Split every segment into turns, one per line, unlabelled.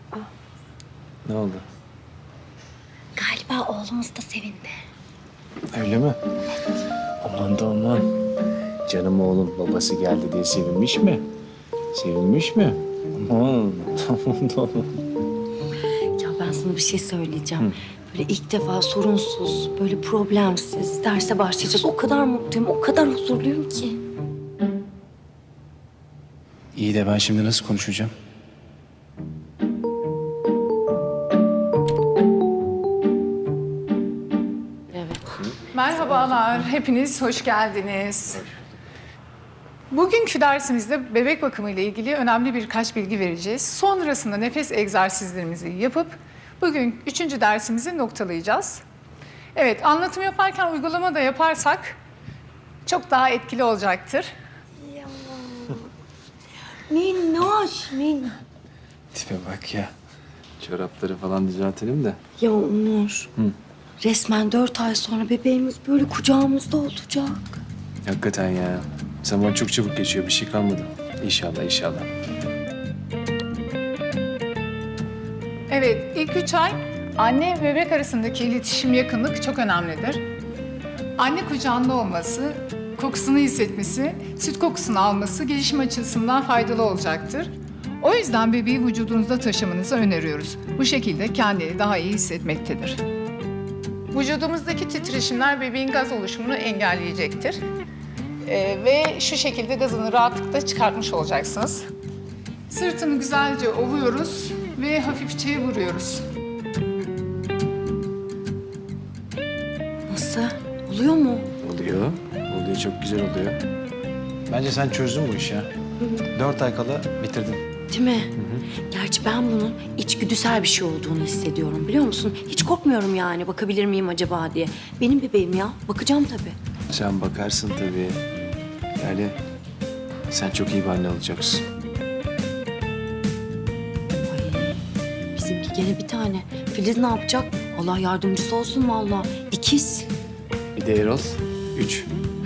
Ne oldu?
Galiba oğlumuz da sevindi.
Öyle mi? Aman da aman. Canım oğlum babası geldi diye sevinmiş mi? Sevinmiş mi? Aman, aman da aman.
Ya ben sana bir şey söyleyeceğim. Böyle ilk defa sorunsuz, böyle problemsiz derse başlayacağız. O kadar mutluyum, o kadar huzurluyum ki.
İyi de ben şimdi nasıl konuşacağım?
Evet.
Merhabalar, hepiniz hoş geldiniz. Bugünkü dersimizde bebek bakımı ile ilgili önemli birkaç bilgi vereceğiz. Sonrasında nefes egzersizlerimizi yapıp bugün 3. dersimizi noktalayacağız. Evet, anlatım yaparken uygulama da yaparsak çok daha etkili olacaktır.
Minnoş, minnoş.
Tipe bak ya. Çorapları falan düzeltelim de.
Ya Onur, resmen 4 ay sonra bebeğimiz böyle kucağımızda olacak.
Hakikaten ya. Zaman çok çabuk geçiyor. Bir şey kalmadı. İnşallah, inşallah.
Evet, ilk 3 ay anne ve bebek arasındaki iletişim, yakınlık çok önemlidir. Anne kucağında olması, kokusunu hissetmesi, süt kokusunu alması gelişim açısından faydalı olacaktır. O yüzden bebeği vücudunuzda taşımanızı öneriyoruz. Bu şekilde kendini daha iyi hissetmektedir. Vücudumuzdaki titreşimler bebeğin gaz oluşumunu engelleyecektir. Ve şu şekilde gazını rahatlıkla çıkartmış olacaksınız. Sırtını güzelce ovuyoruz ve hafifçe vuruyoruz.
Nasıl? Oluyor mu?
Oluyor. Oluyor. Çok güzel oluyor. Bence sen çözdün bu işi ya. 4 ay kala bitirdin.
Değil mi? Gerçi ben bunun içgüdüsel bir şey olduğunu hissediyorum biliyor musun? Hiç korkmuyorum yani bakabilir miyim acaba diye. Benim bebeğim ya. Bakacağım tabii.
Sen bakarsın tabii. Yani sen çok iyi bir anne olacaksın.
Ay, bizimki gene bir tane. Filiz ne yapacak? Allah yardımcısı olsun vallahi. İkiz.
Bir de Erol. 3.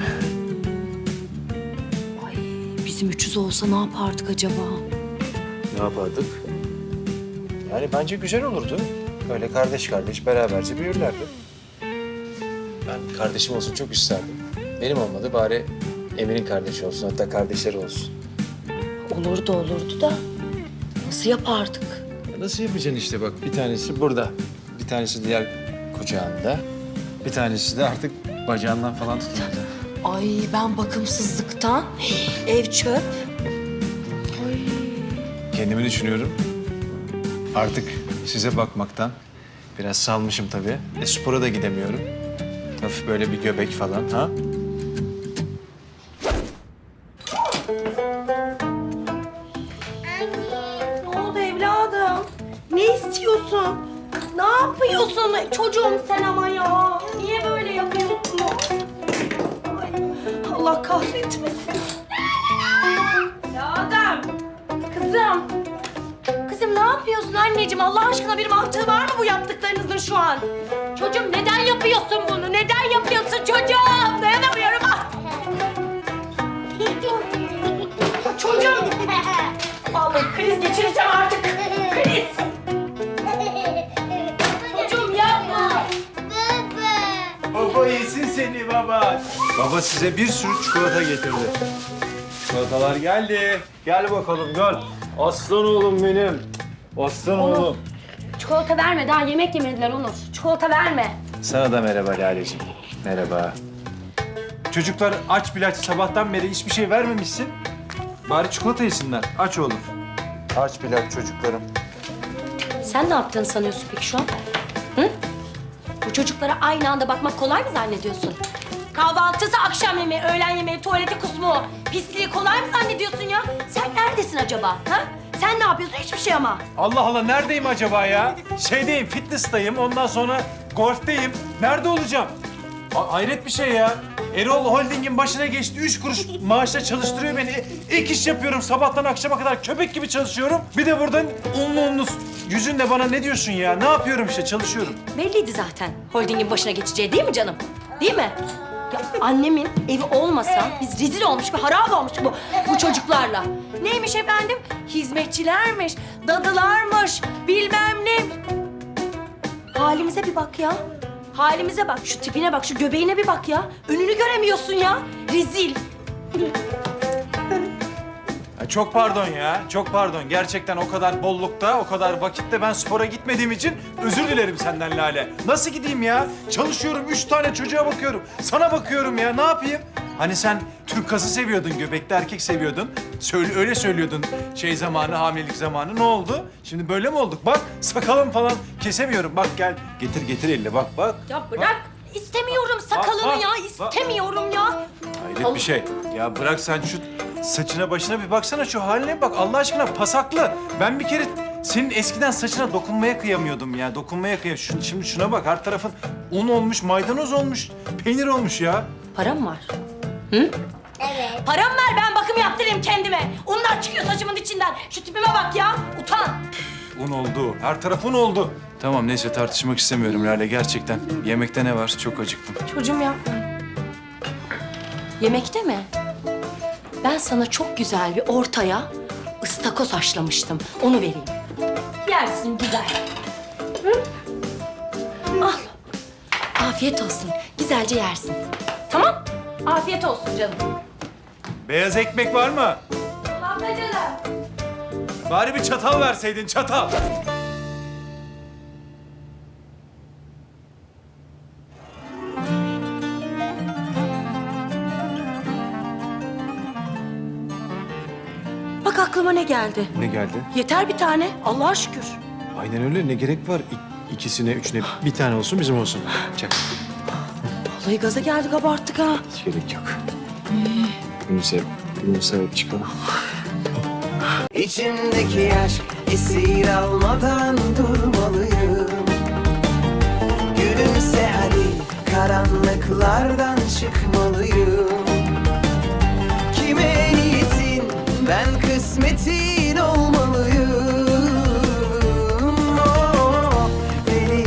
Ay, bizim 300 olsa ne yapardık acaba?
Ne yapardık? Yani bence güzel olurdu. Öyle kardeş kardeş beraberce büyürlerdi. Ben kardeşim olsun çok isterdim. Benim olmadı bari Emir'in kardeşi olsun, hatta kardeşleri olsun.
Olurdu da nasıl yapardık?
Nasıl yapacaksın işte bak, bir tanesi burada, bir tanesi diğer kucağında, bir tanesi de artık bacağından falan tutuyor.
Ay ben bakımsızlıktan ev çöp. Ay.
Kendimi düşünüyorum. Artık size bakmaktan biraz salmışım tabii. Spora da gidemiyorum. Hafif böyle bir göbek falan ha.
Ne oldu evladım? Ne istiyorsun? Ne yapıyorsun çocuğum sen ama ya? Niye böyle yapıyorsun? Ay, Allah kahretmesin. Evladım. Kızım. Kızım ne yapıyorsun anneciğim? Allah aşkına bir mantığı var mı bu yaptıklarınızın şu an? Çocuğum neden yapıyorsun bunu? Neden yapıyorsun çocuğum? Dayanamıyorum. Ah! Çocuğum. Vallahi kriz geçireceğim artık. Kriz. Çocuğum yapma.
Baba yesin seni baba. Baba size bir sürü çikolata getirdi. Çikolatalar geldi. Gel bakalım gel. Aslan oğlum benim. Aslan oğlum.
Çikolata verme. Daha yemek yemediler Onur. Çikolata verme.
Sana da merhaba Lale'ciğim. Merhaba. Çocuklar aç bile aç, sabahtan beri hiçbir şey vermemişsin. Bari çikolata yesinler. Aç oğlum. Aç bile aç çocuklarım.
Sen ne yaptığını sanıyorsun peki şu an? Hı? Bu çocuklara aynı anda bakmak kolay mı zannediyorsun? Kahvaltısı, akşam yemeği, öğlen yemeği, tuvalete kusmu, pisliği kolay mı zannediyorsun ya? Sen neredesin acaba? Ha? Sen ne yapıyorsun? Hiçbir şey ama.
Allah Allah, neredeyim acaba ya? Şeydeyim, fitness'tayım. Ondan sonra golfteyim. Nerede olacağım? Hayret bir şey ya. Erol Holding'in başına geçti. 3 kuruş maaşla çalıştırıyor beni. İlk iş yapıyorum. Sabahtan akşama kadar köpek gibi çalışıyorum. Bir de buradan unlu yüzünle bana ne diyorsun ya? Ne yapıyorum işte, çalışıyorum.
Belliydi zaten holdingin başına geçeceği değil mi canım? Değil mi? Ya annemin evi olmasa biz rezil olmuş ve harap olmuş bu çocuklarla. Neymiş efendim? Hizmetçilermiş, dadılarmış, bilmem ne. Halimize bir bak ya. Halimize bak, şu tipine bak, şu göbeğine bir bak ya. Önünü göremiyorsun ya. Rezil.
Ya çok pardon ya, çok pardon. Gerçekten o kadar bollukta, o kadar vakitte ben spora gitmediğim için özür dilerim senden Lale. Nasıl gideyim ya? Çalışıyorum, 3 tane çocuğa bakıyorum. Sana bakıyorum ya, ne yapayım? Hani sen Türk kası seviyordun, göbekli erkek seviyordun. Öyle söylüyordun şey zamanı, hamilelik zamanı. Ne oldu? Şimdi böyle mi olduk? Bak sakalım falan kesemiyorum. Bak gel, getir elini bak.
Ya bırak. İstemiyorum sakalını
bak,
ya.
bak.
İstemiyorum ya.
Hayret bir şey. Ya bırak sen şu saçına başına bir baksana, şu haline bak Allah aşkına, pasaklı. Ben bir kere senin eskiden saçına dokunmaya kıyamıyordum ya. Şimdi şuna bak, her tarafın un olmuş, maydanoz olmuş, peynir olmuş ya.
Param var. Hı?
Evet.
Param ver, ben bakım yaptırayım kendime. Unlar çıkıyor saçımın içinden. Şu tipime bak ya. Utan.
Un oldu, her taraf un oldu. Tamam neyse, tartışmak istemiyorum Lale gerçekten. Yemekte ne var? Çok acıktım.
Çocuğum yapma. Yemekte mi? Ben sana çok güzel bir ortaya ıstakoz haşlamıştım. Onu vereyim. Yersin güzel. Hı? Al. Afiyet olsun. Güzelce yersin. Tamam? Afiyet olsun canım.
Beyaz ekmek var mı?
Tamam da canım.
Bari bir çatal verseydin, çatal.
Bak aklıma ne geldi.
Ne geldi?
Yeter bir tane. Allah'a şükür.
Aynen öyle. Ne gerek var? İkisine, üçüne bir tane olsun, bizim olsun. Çak.
Vallahi gaza geldik, abarttık ha.
Hiç gerek yok. Bunu sevip çıkalım.
İçimdeki aşk esir almadan durmalıyım. Gülümse hadi, karanlıklardan çıkmalıyım.